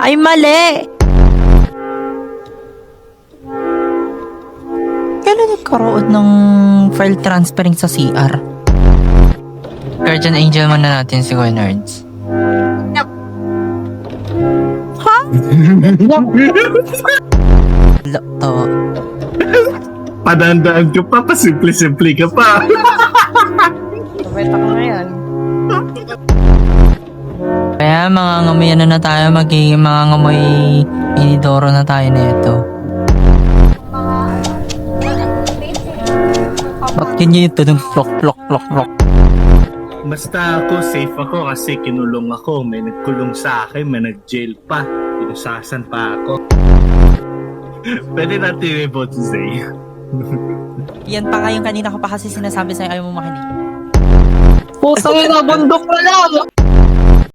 Ay, mali! Kailan nagkaroon ng file transferring sa CR? Guardian Angel muna natin si Kuya Nerds. Ha? Tawa. Padandaan ka pa, pasimple-simple ka pa. Beta ko ngayon. Kaya mga ngamoy ano na tayo, magiging mga ngamoy inidoro na tayo na ito. Ba't ganyan ito ng plok. Basta ako, safe ako kasi kinulong ako. May nagkulong sa akin, may nag-jail pa. Pinusasan pa ako. Pwede natin i-vote si Zay. Yan pa nga yung kanina ko pa kasi sinasabi sa'yo ayaw mo makinig. Putang ina, bundok na lang!